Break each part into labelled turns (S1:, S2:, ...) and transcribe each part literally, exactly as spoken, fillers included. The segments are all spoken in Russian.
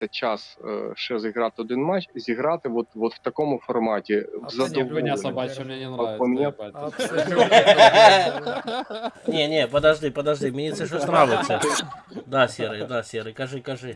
S1: час е, ще зіграти один матч, зіграти от, от в такому форматі, в
S2: Абсолютно.
S3: Не, хуйня
S1: задоволення.
S3: собачья, мне не
S1: А
S3: нравится,
S1: поменять-
S3: ебать.
S2: Абсолютно.
S4: Ні, ні, подожди, подожди, мені це щось нравиться. Да, Сірий, да, Сірий, кажи, кажи.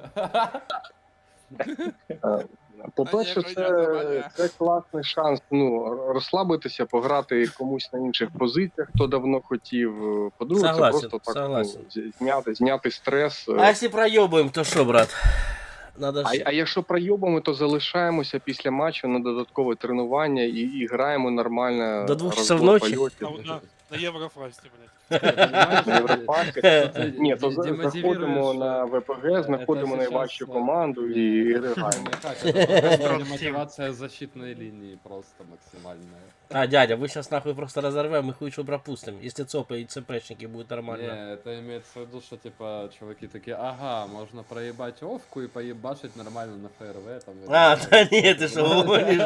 S1: По-перше, це, це класний шанс ну, розслабитися, пограти комусь на інших позиціях, хто давно хотів. По-друге,
S4: Согласен,
S1: це просто так
S4: согласен.
S1: ну, зняти, зняти стрес.
S4: А якщо проєбуємо, то що, брат? Надо
S1: А,
S4: ж...
S1: а якщо пройобимо, то залишаємося після матчу на додаткове тренування і, і граємо нормально.
S4: До двох
S1: розбор
S4: часов ночі?
S1: польотів.
S5: А вот на, на Еврофасте, блядь.
S1: На Європарку. Ні, то за- заходимо на ВПГ, знаходимо
S3: Это
S1: найважчу
S3: сейчас,
S1: команду і граємо.
S3: Как это? Мотивация защитной линии просто максимальная.
S4: А, дядя, ви зараз нахуй просто розорвемо, ми хуй що пропустимо. Якщо ЦОПи і ЦПшники будуть нормально.
S3: Не, это имеется в виду, что типа чуваки такие, ага, можно проебать овку и поебашить нормально на ФРВ там.
S4: А, та ні, ти що говориш?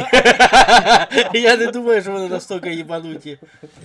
S4: Я не думаю, що вони настільки їбануті.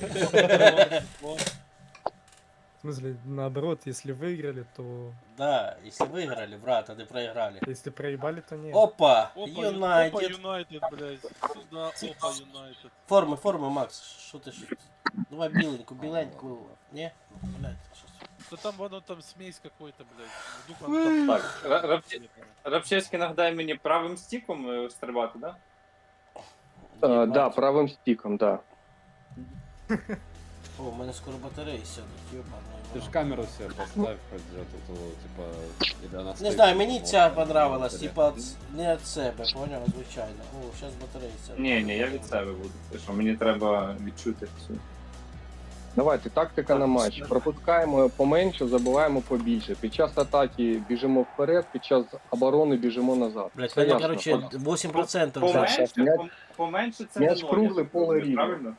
S2: В смысле, наоборот, если выиграли, то...
S4: Да, якщо виграли, брат, а не проіграли.
S2: Если проебали, то нет.
S4: Опа,
S5: Опа, Опа,
S4: Юнайтед.
S5: Юнайтед, блядь. Сюда, опа, Юнайтед.
S4: Форми, форми, Макс, що ти ж? Давай біленьку, біленьку. Ні? Блядь, щось.
S5: Да там, воно там смесь какой-то, блядь. Вдруг он там...
S6: Так, Ра- Рабче- Рабчевський нагадає мені правим стіком е, стрибати, да?
S1: Так, да, правим стіком, так. Да.
S4: О, у мене скоро батареї сядуть, ёбаний.
S3: Ты ж камеру себе поставь хоть где-то, то, типа, или она
S4: Не
S3: стоит,
S4: знаю,
S3: типа,
S4: мені
S3: вот,
S4: ця
S3: вот,
S4: понравилась,
S3: вот,
S4: типа ц- не від себе, поняв, звичайно. О, зараз батареї сядуть.
S6: Ні, ні, я від себе буду. Ти що, мені треба відчути цю.
S1: Давайте, тактика на матч. Пропускаємо поменше, забуваємо побільше. Під час атаки біжимо вперед, під час оборони біжимо назад.
S4: Блять,
S1: Все
S4: мене,
S1: ясно.
S4: короче, вісім відсотків вже.
S6: Поменше,
S1: М'яч-
S6: пом- поменше це
S1: м'яч
S6: не ноль.
S1: круглий,
S6: я так
S1: поле
S6: розумію,
S1: рівне.
S6: Правильно?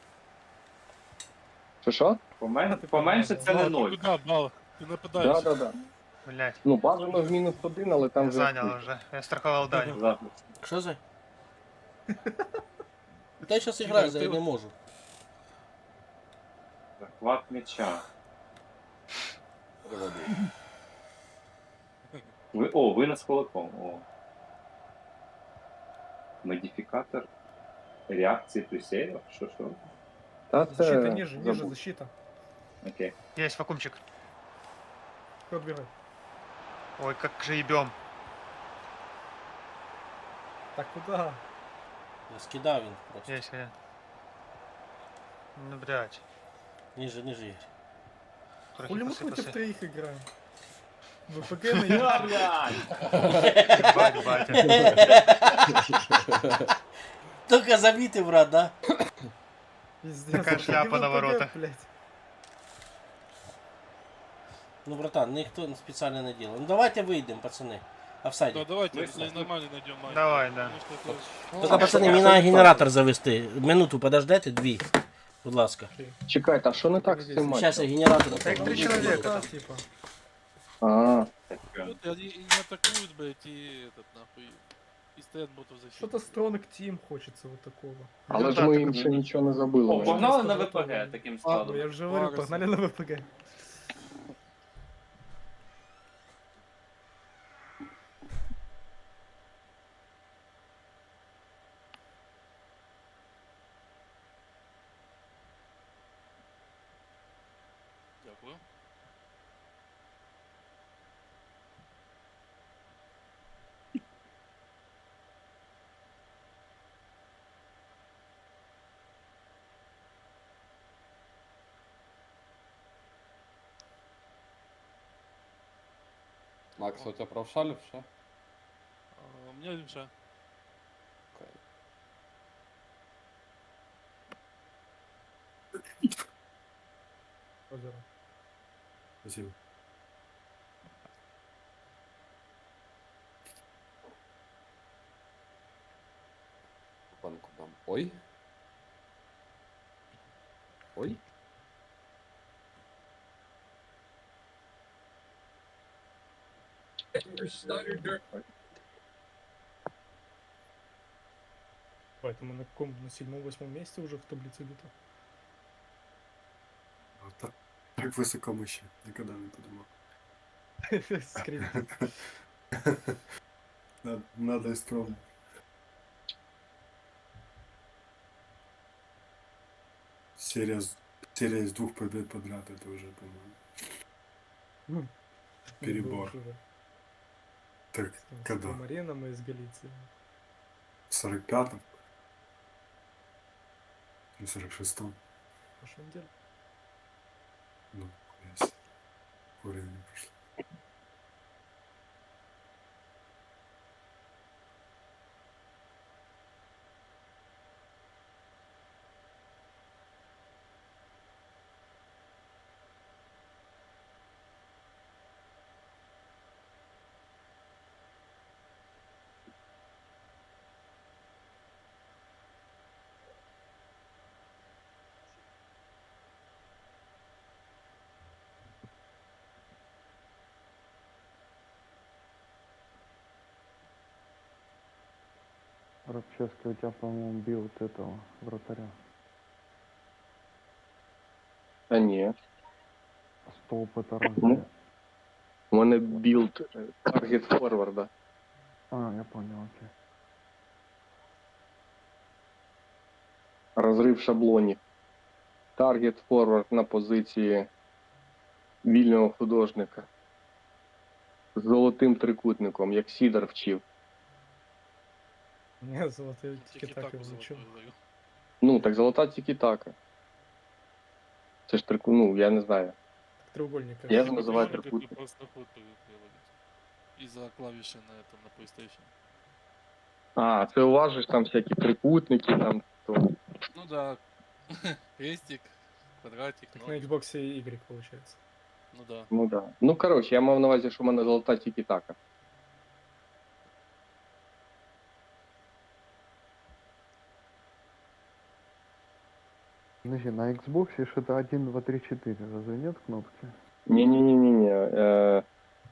S1: Що що?
S6: Помен... Поменше це не
S5: А,
S6: ноль.
S5: ты куда, Бал? Ты нападаешь.
S1: Да, да, да.
S7: Блять,
S1: Ну, бажано в мінус один, але там
S7: я
S1: вже...
S7: занял уже. Я страховал Даню.
S6: Завтра.
S4: Що за? Та я зараз граю, я не можу.
S6: Захват м'яча. Ви... О, винос кулаком. О. Модифікатор реакції плюсею? Що, що?
S1: Та
S2: Защита
S1: це...
S2: ниже, ниже,
S1: забудь.
S2: защита.
S6: Окей.
S7: Есть вакуумчик.
S2: Кто отбирай?
S7: Ой, как же ебем.
S2: Так куда?
S4: Я скидав він просто.
S7: Есть, я. Ну, блять.
S4: Ниже, ниже, Ігор.
S7: Трохи
S2: Хули мы против
S7: посыпался.
S2: троих играем? ВПГ на я.
S7: Ебать, батя.
S4: Тільки замітив, брат, да?
S2: Пиздец.
S7: Такая
S2: это
S7: шляпа
S2: не
S7: на
S2: ВПГ,
S7: воротах.
S2: блядь.
S4: Ну, братан, ніхто спеціально не делал. Ну давайте вийдемо, пацани. Офсайді.
S5: Да, давайте,
S6: Мы
S5: если
S6: с-
S5: нормально найдем матч.
S7: Давай, да.
S5: Потому что это-
S4: Тільки, пацани, мені треба генератор завести. Минуту подождете, дві. Будь ласка.
S1: Чекайте, а що не так з цим
S4: Зараз
S1: матчем?
S4: я генератор.
S7: Так, три человека.
S2: Да, типа.
S1: А,
S5: Вот Они и не атакуют, блядь, и этот, нахуй, и стоят ботов в защите.
S2: Что-то Stronг Team хочется вот такого.
S1: але
S7: Ну,
S1: ж
S7: да,
S1: ми
S7: так
S1: їм
S7: і
S1: ще
S7: буде.
S1: нічого не забили.
S6: О,
S1: наче.
S6: погнали на
S2: Просто
S6: ВПГ
S2: готові.
S6: таким
S2: Ну,
S6: складом.
S2: я же говорю,
S5: Вагаси.
S2: погнали на ВПГ.
S5: Дякую.
S3: Макс, у тебя правша левша?
S5: А, У меня левша.
S3: Окей.
S2: Озеро.
S8: Спасибо.
S3: Банку дам. Ой. Ой.
S2: Поэтому на каком? На седьмом-восьмом месте уже в таблице где-то.
S8: Вот так, так высоко мы еще никогда не подумал.
S2: Скрипт.
S8: Надо, надо исправить. Серия, с- серия из двух побед подряд, это уже, по-моему,
S2: Ну,
S8: перебор.
S2: уже.
S8: Так,
S2: С, там, с
S8: когда?
S2: Помареном из Галиции.
S8: В сорок пятом? Или сорок шестом?
S2: В прошлой неделе.
S8: Ну, есть. Времени прошло.
S9: Рабчевский, у тебя, по-моему, бил вот этого вратаря.
S1: А ні.
S9: Столб это разве?
S1: Ну. У мене білд е, таргет форварда.
S9: А, я понял, окей.
S1: Розрив шаблонів. Таргет форвард на позиції вільного художника. З золотим трикутником, як Сідор вчив.
S2: Я золотые
S5: Тільки
S2: тики-таки
S5: так
S2: влучил.
S5: даю.
S1: Ну, так золота тільки-така. Це ж трику, ну, я не знаю.
S2: Так треугольник. как
S1: Я
S2: же.
S1: же называю
S5: Как
S1: трикутник.
S5: просто ход приложить. Из-за клавиши на этом, на PlayStation.
S1: А, це у вас же ж там всякі трикутники, там то.
S5: Ну да. Крестик, квадратик,
S2: Так
S5: ну,
S2: на Xbox Y получается.
S5: ну да.
S1: Ну да. Ну коротше, я мав на увазі, що в мене золота тільки-така.
S9: Подожди, на Xbox что-то один, два, три, четыре, разве нет кнопки?
S1: Ні-ні-ні-ні. Е,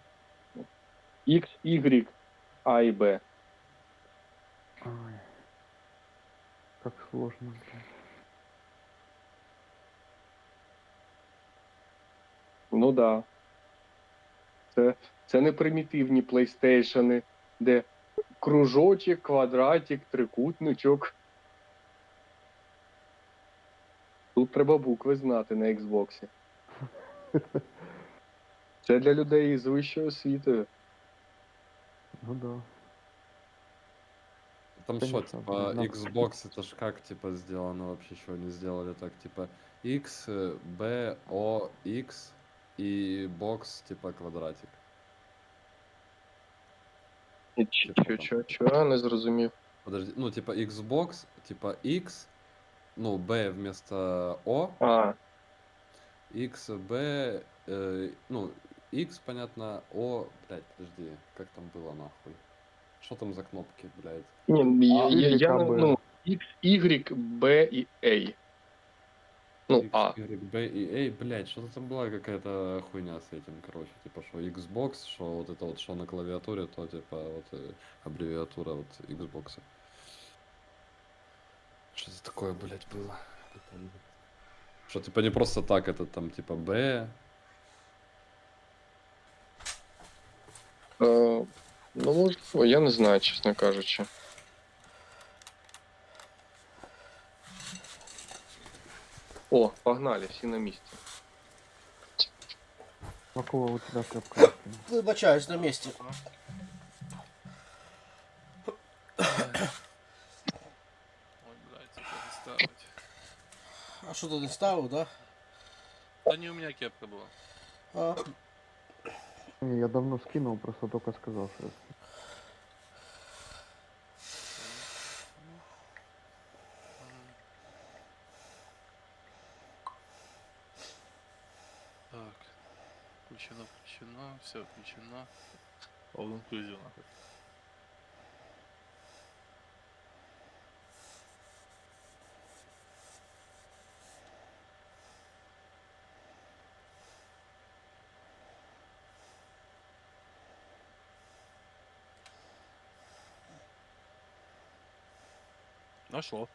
S1: X, Y, А і Б.
S9: Ай, как сложно, блядь.
S1: Ну да. Це, це не примітивні PlayStation, де кружочок, квадратик, трикутничок. Тут треба букви знати на Xbox. Це для людей з вищою освітою.
S9: Ну да.
S3: Там
S9: Конечно,
S3: что, типа,
S9: блин,
S3: Xbox это ж как, типа, сделано вообще, что они сделали так, типа, X, э, B, O, X и бокс, типа, квадратик.
S1: І Ч- Чо, чо, чо, не зрозумів.
S3: Подожди, ну, типа, Xbox, типа, X, ну, B вместо O,
S1: А,
S3: X, B, э, ну, X, понятно, O, блядь, подожди, как там было, нахуй? Что там за кнопки, блядь?
S1: ні, я,
S9: А,
S1: я, я не,
S9: Y,
S1: ну, X, Y, B і A. Ну,
S3: X,
S1: А.
S3: Y, B и A, блядь, что-то там была какая-то хуйня с этим, короче, типа, что Xbox, что вот это вот, что на клавиатуре, то, типа, вот, э, аббревиатура вот Xbox. Что это такое, блядь, было? Не помню. Что, типа, не просто так, это там, типа, B,
S1: Е, ну, можливо, я не знаю, чесно кажучи. О, погнали, всі на місці.
S9: Какого у тебя капка?
S4: Вибачаюсь на місці.
S5: Ой, блядь, это не ставить.
S4: А що ти не ставив, да?
S5: Да не у меня кепка была.
S4: А,
S9: Не, я давно скинул, просто только сказал, что я скинул.
S5: Так. Включено, включено, все включено. All inclusive, нахуй. Нашло.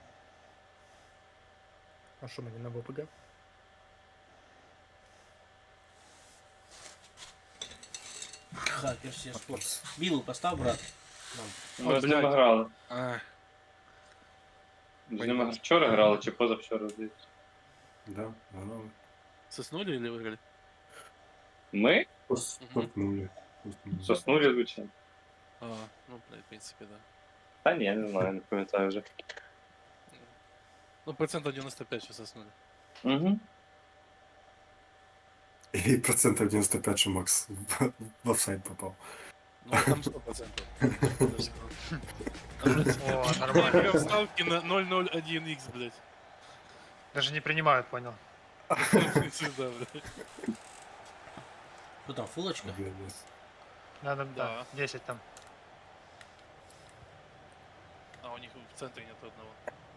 S2: А что, мы не на ВПГ?
S4: Хакер все спорт. Білу постав, брат. Нам.
S6: Ми з ними
S5: блядь.
S6: грали.
S5: Ах,
S6: З ними вчора грали чи позавчора, здається.
S8: Да, грали.
S5: соснули или выиграли?
S6: Ми
S8: Стопнули.
S6: соснули, звичайно.
S5: А, ну, блядь, в принципе, да.
S6: Та ні, я не знаю, не пам'ятаю вже.
S5: Ну, процентов девяносто пять сейчас соснули.
S6: Угу.
S8: И процентов девяносто пять, что Макс в- в офсайд попал.
S5: Ну, там сто процентов.
S7: О, нормально.
S5: Игра в ставке на ноль ноль один икс, блядь.
S7: Даже не принимают, понял.
S5: Сюда, блядь.
S4: Що там, фулочка?
S8: Блядь.
S7: Надо, да,
S5: Да.
S7: десять там.
S5: А у них в центре нет одного.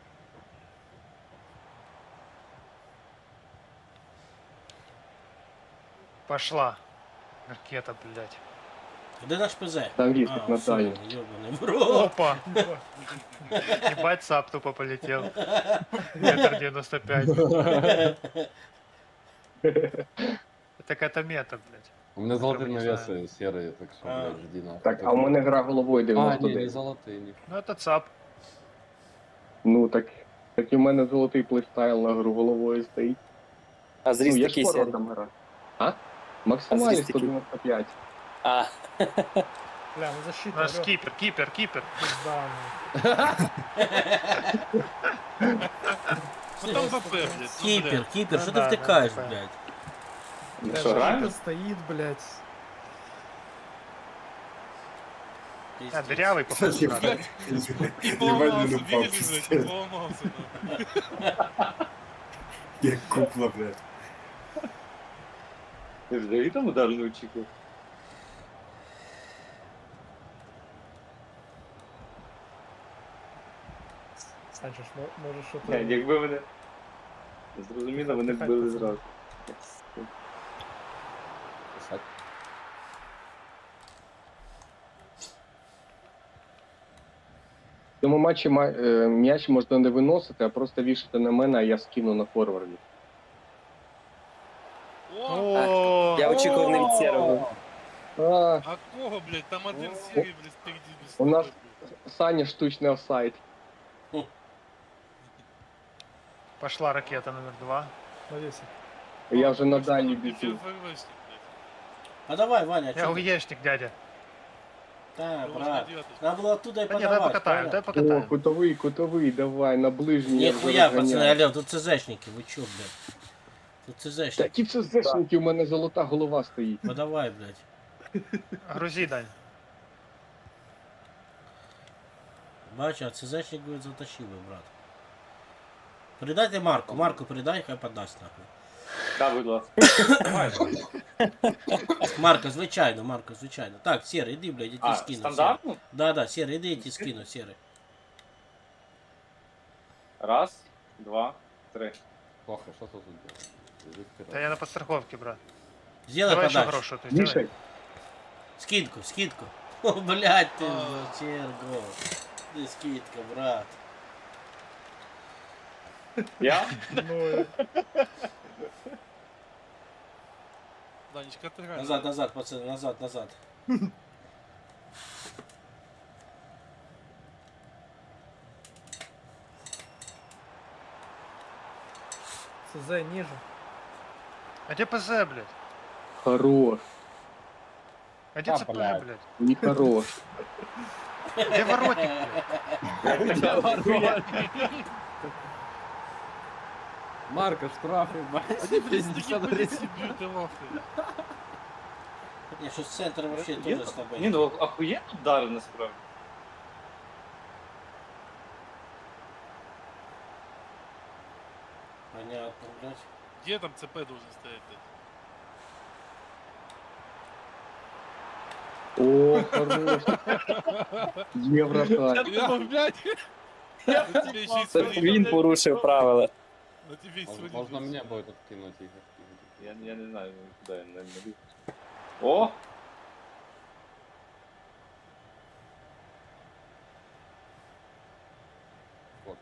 S7: Пошла. Ракета, блядь.
S4: Де наш ПЗ?
S1: Там вісник на
S4: все,
S1: Дані.
S4: ёбаный в рот.
S7: Опа! Ебать, сап тупо полетел. Метр девяносто пять. Так это мета, блядь.
S3: У меня золотые
S7: не
S3: навесы серые, так что,
S4: А.
S3: блядь, жди нахуй.
S1: Так, а у мене гра головою
S3: А, не, не
S1: дев'яносто дев'ять.
S3: золотые, не.
S7: Ну это цап.
S1: Ну так. Так і в мене золотий плейстайл на гру головою стоїть.
S10: А
S1: Ну,
S10: зріст
S1: я
S10: такий
S1: ж
S10: сірий.
S1: форвардом граю. А? Максимальний
S10: зріст
S1: сто
S10: який?
S1: дев'яносто п'ять.
S10: А,
S2: Бля, ну защита,
S7: У нас
S2: алё,
S7: кипер, кипер, кипер.
S2: пизда, ну.
S5: Ну там БП, блядь. ну,
S4: Кіпер,
S5: блядь.
S4: кіпер,
S7: Ну
S4: що ти
S7: да, да,
S4: втикаєш,
S7: да.
S4: блядь?
S1: Ну
S2: Бля,
S1: що, граємо?
S2: защита стоит, блядь.
S7: А, дырявый, походу, брат.
S5: И
S8: Ебать,
S5: поломался,
S8: ну, упал,
S5: видишь, блядь, и
S8: пиздец.
S5: поломался. нахуй.
S8: Я кукла, блядь.
S6: Ти взагалі там удар не очікував?
S2: Санчо, ж мо- може що
S6: Ні,
S2: то...
S6: якби мене. Зрозуміло, вони б били зразу.
S3: Писать.
S1: В цьому матчі ма- е, м'яч можна не виносити, а просто вішати на мене, а я скину на форварді.
S5: О,
S7: О,
S10: я очікував не від сірого.
S1: А,
S5: а кого, блядь, там один серый, блядь, впереди без
S1: У нас-
S5: стопы.
S1: Саня штучний офсайд.
S7: пошла ракета номер два.
S2: Навесик.
S1: Я вже на
S5: Точно,
S1: дальній
S5: ну,
S1: біжу.
S5: пиздец, ФВшник, блядь.
S4: А давай, Ваня,
S7: Я
S4: чё ты?
S7: уешник, дядя.
S4: Да,
S5: Его ж на
S4: брат.
S5: девятый.
S4: Надо было оттуда и
S7: Да не, дай
S4: подавать,
S7: покатаем, дай
S4: правильно?
S1: О,
S7: покатаем.
S1: кутовий, кутовий, давай, на ближній. я вже
S4: Нихуя,
S1: розганяю.
S4: пацаны, алло, тут ЦЗшники, вы чё, блядь? Тут ЦЗшники.
S1: Такі це зешники, у мене золота голова стоїть.
S4: Подавай, блядь.
S7: Грузи, Дань.
S4: Бачу, а ЦЗшник, говорит, затащил его, брат. Передайте Марку, Марку передай, хай подасть нахуй.
S6: Так, будь ласка.
S4: Марко, звичайно, Марко, звичайно. Так, Серый, иди, блядь, я тебе
S6: А,
S4: скину. Серый.
S6: стандартно?
S4: Да, да, Серый, иди, я тебе скину, Серый.
S6: Раз, два, три.
S3: Плохо, что тут делать? Лежит вперед.
S7: Да я на подстраховке, брат.
S4: Сделай
S7: Давай еще
S4: подачу.
S7: хорошую, ты сделай.
S1: Мішай,
S4: Скидку, скидку. О, блядь, ты,
S5: А.
S4: Серго. Ты скидка, брат.
S6: Я?
S2: Ну,
S5: Данечка, отыграй.
S4: Назад, назад, пацаны, назад, назад.
S2: ЦЗ ниже.
S7: А где ПЗ, блядь?
S1: хорош,
S7: А где
S3: А,
S7: ЦП,
S3: блядь.
S7: блядь?
S1: не хорош.
S7: Где воротник, блядь?
S3: Марка, штрафы,
S5: Они, блядь, стики, блядь, бьют и нахуй.
S4: Не, что с центром вообще тоже с тобой.
S6: Ні, ну охуєнно удари насправді.
S4: Понятно, блядь.
S5: Где там ЦП должен стоять, блядь?
S1: О, хорош. Є вратарь.
S5: Я думал, блядь. На тебе еще и
S10: Це
S5: свалить.
S10: він порушив правила.
S5: На тебе и
S3: Можно,
S5: свалить.
S3: можно мне будет откинуть их.
S6: Я, я не знаю, куди я не не О!
S3: Вот.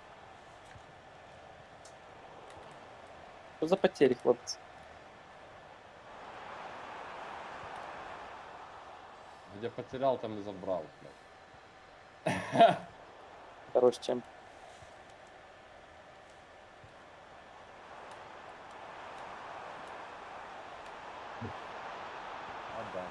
S10: Що за потері, хлопці?
S3: Где потерял, там и забрал. блядь.
S10: Хорош чем.
S3: Отдам.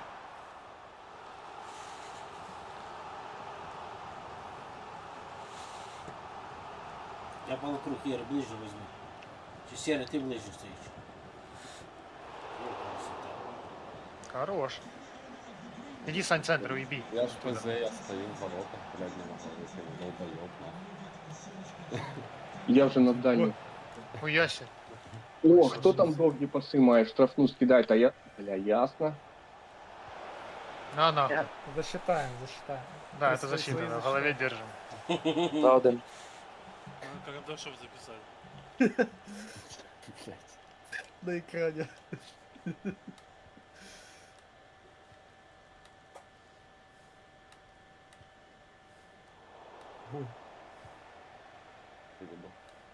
S4: Я полукруг Ігор ближче візьму. Чи Сєрий, ти ближче стоїш? О, красота.
S7: Хорош. Иди, Сань, центр, уеби.
S3: Я ж ПЗ, я стою в воротах, блядь, не могу выходить. Долбоёб, нахуй.
S1: Я вже на дальній.
S7: Хуяси.
S1: О, хто там довгі паси має? Штрафну скидає, та я. Бля, ясно.
S7: На, нахуй.
S2: Засчитаем, засчитаем.
S7: Да,
S2: Свои-
S7: это
S2: свои
S7: засчитано. В
S2: засчитаем.
S7: голове держим.
S10: За один.
S5: А, Карандашов записали.
S3: Блядь.
S2: На экране. Ой,
S3: Перебор.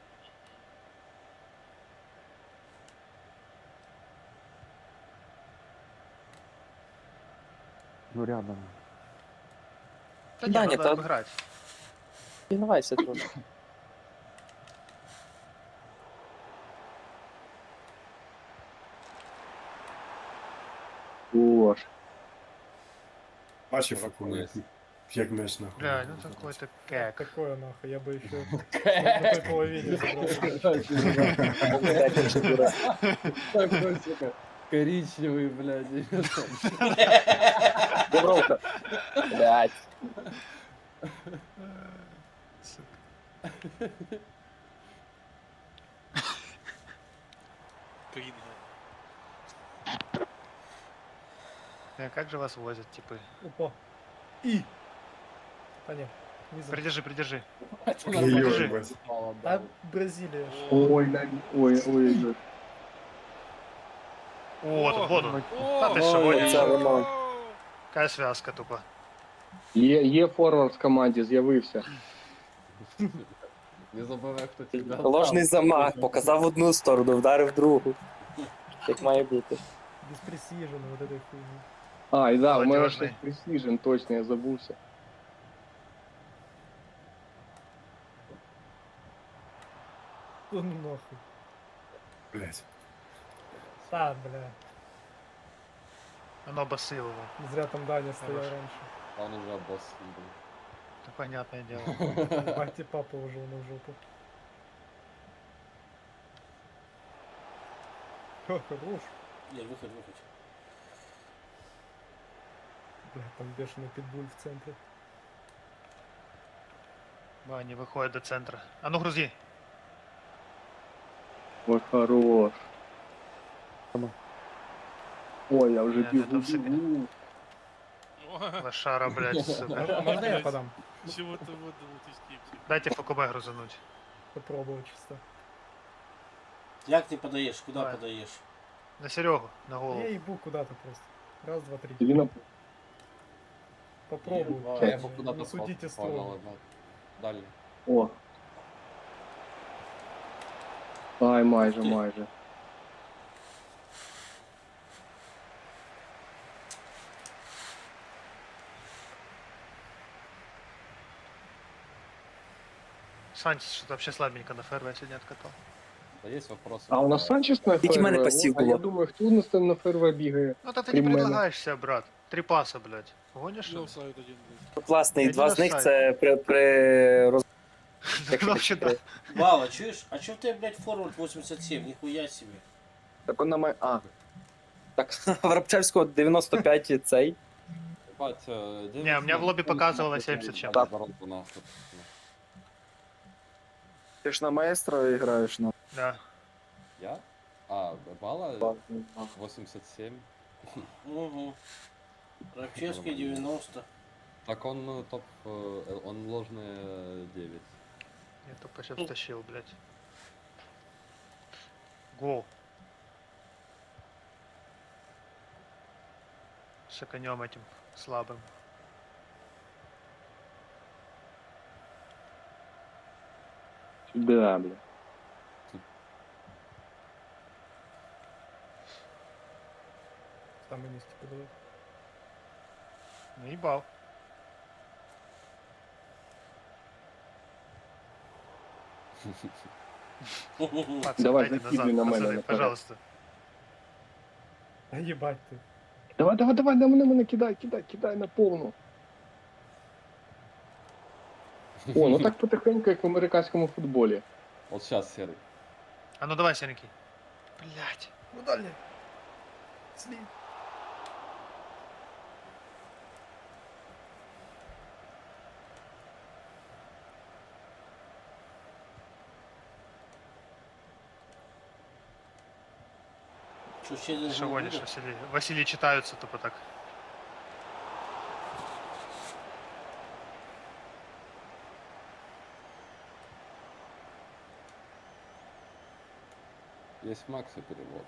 S9: Ну рядом.
S7: Да не,
S10: Да,
S7: надо
S10: нет, а-
S7: обыграть.
S10: Пінувайся трошки.
S1: О, ж.
S8: Бачив,
S3: Рахує.
S8: як м'яч нахуй.
S7: Бля, ну какой-то кек.
S2: такое нахуй, я бы еще на той половине забрал.
S3: Такой, сука, коричневый, блядь.
S10: Дубровка. Блядь.
S5: Кринга.
S7: Э, Как же вас возят, типы?
S2: Опа. И. А нет, не за.
S7: Придержи, придержи.
S8: Ой, ебать.
S2: А Бразилия. ж.
S1: Ой, на... ой, ой, ой.
S7: О, тут воду.
S5: О,
S7: Та ти що,
S10: Ой,
S7: гониш?
S10: це воно.
S7: Какая связка тупо.
S1: Є, є форвард в команді, з'явився.
S3: Не забывай, кто тебя.
S10: Ложний замах, показав в одну сторону, вдарив в другу. Як має бути.
S2: Без пресижена вот этой хуйни.
S1: А, і да, у мене
S7: Молодіжний.
S1: ще Precision, точно, я забувся.
S2: Ну нахуй.
S8: Блять.
S2: Да, бля.
S7: Оно басилово.
S2: Не зря там Даня стоял
S7: Хорошо.
S2: раньше.
S3: Он уже босс.
S7: Это понятное дело.
S2: Бати папа уже на жопу. Ха, хорош.
S4: Ігор, виходь, виходь.
S2: Бля, там бешеный питбуль в центре.
S7: Да, они выходят до центра. А ну грузи.
S1: Ой, хорош. Ой, я вже
S7: Ні,
S1: бігу,
S7: це все
S1: бігу.
S7: Лошара, блядь, сука.
S2: А можно я подам?
S5: Чего-то вот вот из скипки.
S7: Дайте ФКБ грузануть.
S2: Попробовать чисто.
S4: Як ти подаєш? Куди
S7: Давай.
S4: подаєш?
S7: На Серегу, на голову.
S2: Я ебу куда-то просто. Раз, два, три.
S1: Тобі на...
S2: Попробую.
S3: А,
S1: Чё?
S3: я бы куда-то
S2: Не судите
S3: понял,
S2: строго.
S3: да. Дальний.
S1: О. Ай, майже,
S4: Ух ти.
S1: майже.
S7: Санчес что-то вообще слабенько на ФРВ сегодня откатал.
S3: Да есть вопросы?
S1: А у нас Санчес на
S10: Тільки в мене
S1: ФРВ?
S10: пасів
S1: А я
S10: було.
S1: думаю, хто у нас там на ФРВ бігає?
S7: Ну да ты
S1: Крім
S7: не
S1: мене.
S7: предлагаешься, брат. Три паса, блядь. Гонишь?
S5: Ну, сайт один, блядь.
S10: Тут, власне, і
S7: Я
S10: два
S7: не
S10: з них
S7: знаю.
S10: це при, при роз...
S7: Ну вообще да.
S4: Вала, чуєш? А чого в тебе, блядь, форвард вісімдесят сім? Ніхуя собі.
S10: Так он на май... А. Так, в Рабчевського дев'яносто п'ять цей.
S3: Ебать, э,
S7: Не, у меня в лобби показывало семьдесят чем.
S3: Да, воронку нахуй.
S10: Ти ж на маестро граєш, на.
S7: Да.
S3: Я? А, балла восемьдесят семь.
S4: Угу. Рабчевський дев'яносто.
S3: Так он ну, топ, э, он ложный э, девять.
S7: Я тупо сейчас втащил, блядь. Гол. С конем этим слабым.
S1: Да, бля.
S2: Там и нести подавать.
S7: Наебал. Пацаны,
S1: Давай,
S7: дайте
S1: закидывай на
S7: назад,
S1: мене,
S7: пацаны,
S1: наперед.
S7: пожалуйста.
S2: А ебать ты.
S1: Давай, давай, давай, на мене, мене кидай, кидай, кидай на повну. О, ну так потихеньку, як в американському футболі.
S3: Вот сейчас, Серый.
S7: А ну давай, серенький. Блять.
S2: Ну дальний. Сли.
S4: Що ще один
S7: Что
S4: гол
S7: гонишь,
S4: буде?
S7: Василий? Василий читаются тупо так.
S3: Есть Макси перевод.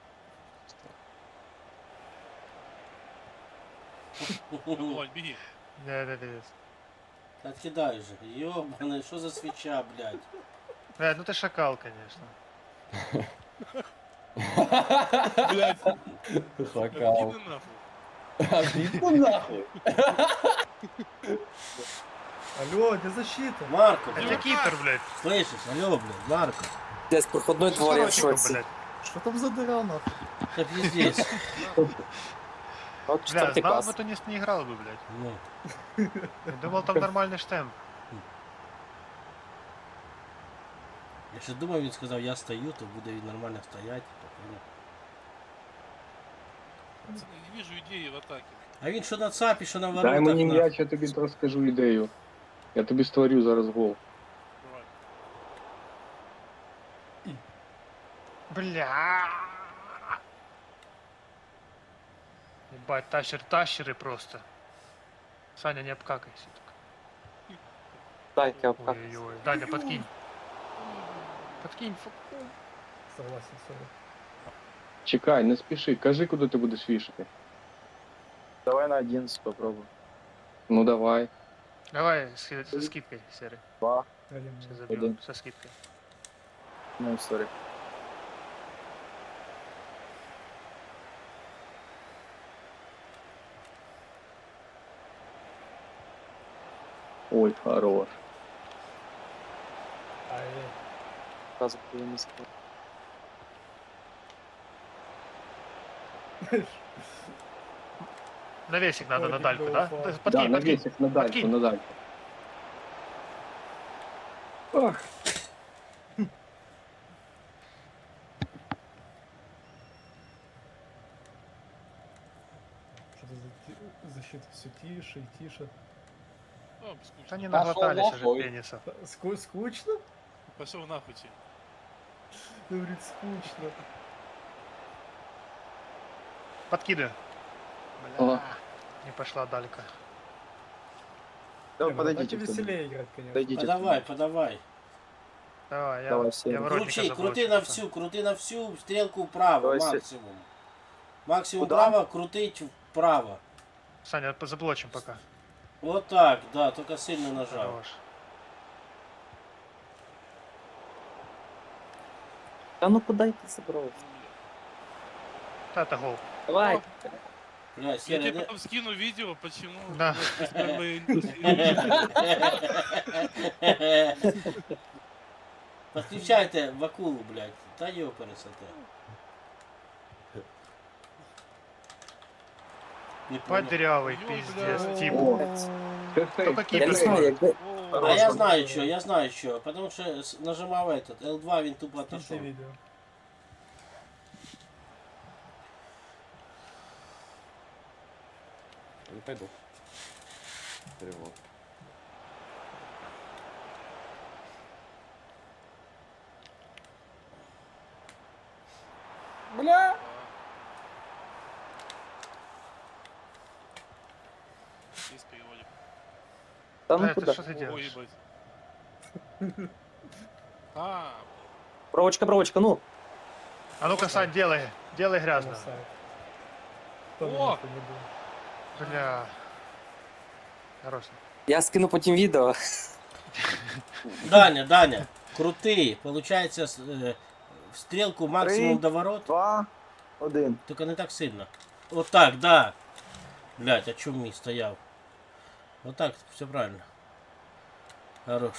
S5: Вань, беги.
S7: Да-да-да.
S4: Откидай же. Ёбаный, что за свеча, блядь?
S7: Э, ну ты шакал, конечно.
S5: Блядь,
S3: Шакал.
S5: иди нахуй.
S3: Иди нахуй.
S2: Алло, где защита?
S4: Марко,
S7: Это
S4: блядь.
S7: кипер, блядь.
S4: Слышишь? Алло, блядь, Марко.
S10: Здесь проходной двор, я в
S7: Широкий,
S10: шоці.
S7: блядь.
S2: Что там за дыра нахуй?
S4: Как здесь.
S10: От
S7: Бля,
S10: четвертий
S7: знал
S10: клас.
S7: бы, то не, не играл бы, блядь.
S4: Ну.
S7: Я думал, там нормальный штемп.
S4: Я ще думав, він сказав, я стою, то буде він нормально стоять. то понял.
S5: Пацаны, не вижу идеи в атаке.
S4: А він що на цапі, що на
S1: Дай
S4: воротах.
S1: мені
S4: на-
S1: м'яч, я тобі розкажу ідею. Я тобі створю зараз гол.
S5: Давай.
S7: Бля. Ебать, тащер, тащеры просто. Саня, не обкакайся. так.
S10: Дай, я обкак.
S7: Ой-ой-ой. Даня, подкинь. Подкинь, фу.
S2: Согласен, сорок.
S1: Чекай, не спіши, кажи, куди ти будеш вішати.
S10: Давай на одиннадцать попробуем.
S1: Ну давай.
S7: Давай с, со скидкой, серый.
S10: Два.
S2: Один.
S7: Сейчас забьем
S10: Один.
S7: со скидкой.
S10: Ну, сори.
S1: Ой, хорош.
S2: Ай,
S10: Сразу не сказал.
S7: Навесик надо
S2: Ой,
S7: на дальку,
S2: был
S7: да?
S2: фол.
S7: Да,
S1: Да,
S7: Подкинь,
S1: на
S7: подкинь.
S1: весик, на дальку,
S7: Подкинь.
S1: на дальку. Ах,
S2: что-то за ти- защита все тише и тише.
S5: О, скучно.
S7: Они
S3: Пошел
S7: наглотались уже
S3: нахуй.
S7: пенисов.
S2: Ску- скучно?
S5: Пошел нахуй тебе.
S2: Говорит, скучно.
S7: Подкидывай.
S1: О.
S7: Бля. Не пошла далька.
S10: Да,
S2: Не, в атаке
S10: подойдите. кто-нибудь.
S2: веселее играть, конечно.
S10: Подойдите.
S4: Подавай, подавай.
S7: Давай, я,
S10: Давай,
S7: я
S10: Серый.
S7: воротника
S4: Крути,
S7: заброшу.
S4: крути на всю, крути на всю, стрілку вправо,
S10: Давай, Сер-
S4: максимум. Максимум
S10: Куда?
S4: вправо, крутить вправо.
S7: Саня, по- заблочим пока.
S4: Вот так, да, только сильно нажал.
S7: Хорош.
S10: Да ну куда ты собрался?
S7: Да, это гол.
S10: Давай.
S4: Бля,
S5: Я
S4: Серый,
S5: тебе
S4: да-
S5: потом скину видео, почему
S7: Да.
S5: у нас первые-
S4: Подключайте в акулу, блядь. Та ёпересоте. Не понял.
S7: Подрявый,
S5: Ё,
S7: пиздец,
S5: бля.
S7: тип.
S1: О, це сейф,
S7: Только
S1: це
S10: Я не
S7: кипер.
S1: сейф.
S10: знаю, якби...
S5: О,
S4: А я знаю что, я знаю что. Потому что с- нажимал этот эл два, він тупо
S2: Скиньте
S4: отошел.
S2: видео.
S3: Не пойду. Перевод. Бля!
S5: Есть переводик.
S10: Да
S7: Да,
S10: ну
S7: это
S10: куда?
S7: что ты
S5: Ой,
S7: делаешь?
S5: ебать. А,
S10: Провочка, провочка, ну.
S7: А ну-ка, Сань, делай. Делай грязно.
S2: На сайт. Тоже
S5: О!
S2: нахуй не было.
S7: Бля. Хорош.
S10: Я скину потім відео.
S4: Даня, Даня, крутий. Получается, с- э, в стрелку максимум
S10: Три.
S4: до ворот.
S10: Два. Один.
S4: Только не так сильно. Вот так, да. Блять, а чё мій стояв? Вот так, все правильно. Хорош.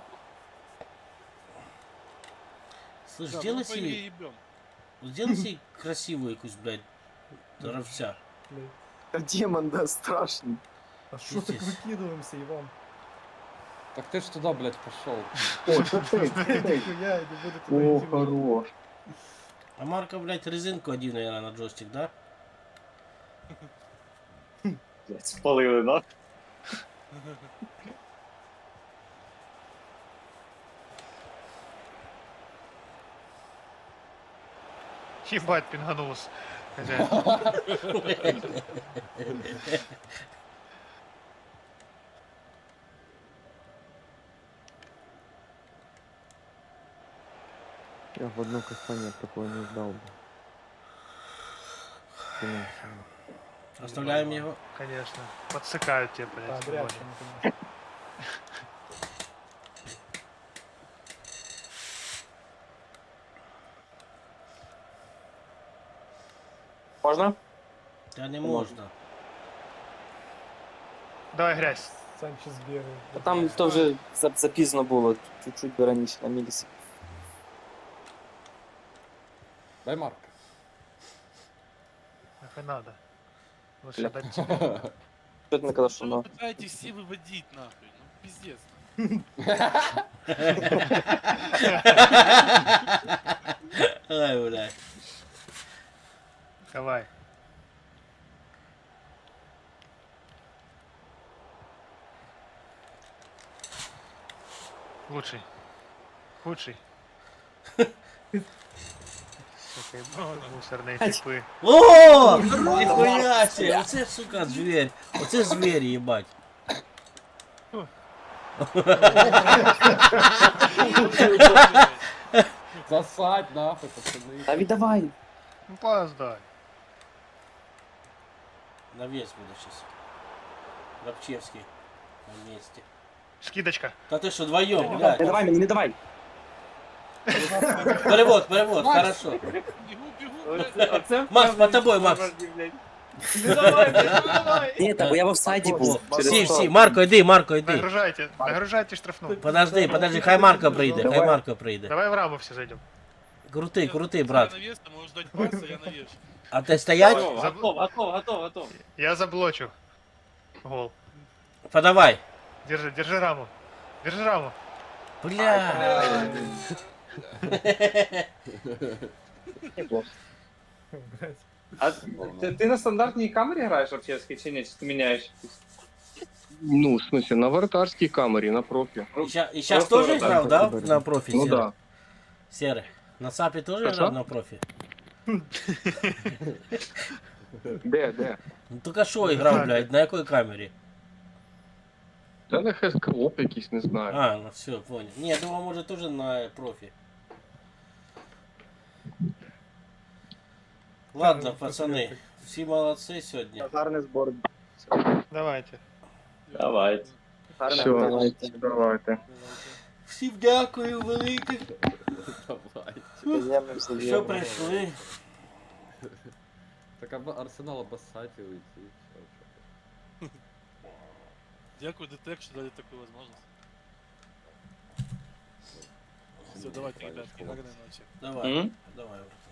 S4: Слышь,
S5: Да,
S4: сделай
S5: ну, по игре
S4: себе,
S5: ебем.
S4: сделай себе красивую якусь, блядь, ровця.
S2: Блядь.
S10: Демон, да, страшный.
S2: А что так
S4: Пиздец.
S2: выкидываемся, Иван?
S3: Так ты ж туда, блядь, пошел.
S1: О, це ти, це ти.
S2: Нихуя, я не буду туда
S1: О,
S2: идти.
S1: хорош.
S4: А Марка, блядь, резинку один, наверное, на джойстик, да?
S6: Блядь, спалили, да?
S7: Ебать, пинганулся. Хозяин.
S9: Я в одно касание такое не ждал бы. Конечно.
S4: Оставляем его.
S7: Конечно. Подсыкают тебя,
S2: А,
S7: блядь.
S2: дрянь,
S7: сегодня.
S2: конечно.
S10: Можно?
S4: Да не можно.
S7: Давай грязь.
S2: Санчес бегает.
S10: А там то вже за- запізно було, чуть-чуть би раніше на мілісі.
S3: Дай Марк.
S7: Нахуй надо. Лучше дать тебе.
S10: Що ти не казав, що
S5: Что вы
S10: на.
S5: пытаетесь все выводить, нахуй? Ну, пиздец.
S4: Ай, блядь.
S7: Давай. Лучший. Худший. Сука, мусорные типы.
S4: О! Нихуя себе! Оце, сука, зверь. Оце зверь, ебать.
S3: Засать нахуй, пацаны.
S10: Та віддавай.
S7: Ну поздай.
S4: На вес буду сейчас. Рабчевский. На месте.
S7: Скидочка.
S4: Да ты что, вдвоем,
S10: Не
S4: блядь?
S10: давай мені, не давай.
S4: Перевод, перевод, хорошо.
S5: Бегу, бегу,
S6: Оце,
S5: блядь.
S6: оце
S4: Макс, по тобой, Макс.
S6: блядь. Ну давай, блядь, ну давай.
S10: Ні, та бо я в офсайді був. через
S4: Всі,
S10: то.
S4: всі, Марко, йди, Марко, йди.
S7: Нагружайте, нагружайте штрафну.
S4: Подожди, подожди, хай Марко прийде, хай
S1: Давай.
S4: Марко прийде.
S7: Давай в раму все зайдем.
S4: Крутий, крутий,
S5: Я
S4: брат.
S5: на вес, ты можешь ждать паса, я на вес.
S4: А ти стоять?
S6: Готов, готов, готов, готов, готов.
S7: Я заблочу. Гол.
S4: Подавай.
S7: Держи, держи раму. Держи раму.
S4: Бля.
S1: Неплохо.
S2: Блядь.
S6: А ти, ти на стандартній камері граєш Арчевський чи ні? Чи ти міняєш?
S1: Ну, в смысле, на вратарській камері, на профі.
S4: И ща- и сейчас
S6: Просто
S4: тоже
S6: вот
S4: играл, да, на профи?
S1: Ну
S4: Серый?
S1: да.
S4: Серый. На САПе тоже
S1: Хорошо.
S4: играл на профи?
S1: Де, де?
S4: Ну только что играл, блядь, на какой камере?
S1: Та на хескалоп якийсь, не знаю.
S4: А, ну все, понял. Не, я думал, может тоже на профи. Ладно, пацаны, все молодцы сегодня.
S10: Гарний збор.
S7: Давайте.
S6: Давайте.
S1: Все,
S10: Давайте.
S1: давайте.
S4: Всім дякую велике,
S3: Давай.
S10: Приємно все
S4: що
S10: діло.
S4: прийшли.
S3: Так об Арсенал обоссать и уйти. Всё,
S5: Дякую, Детек, что дали такую возможность.
S3: всё.
S5: Все, давайте, ребятки, гарной ночи.
S4: Давай,
S6: М?
S4: давай.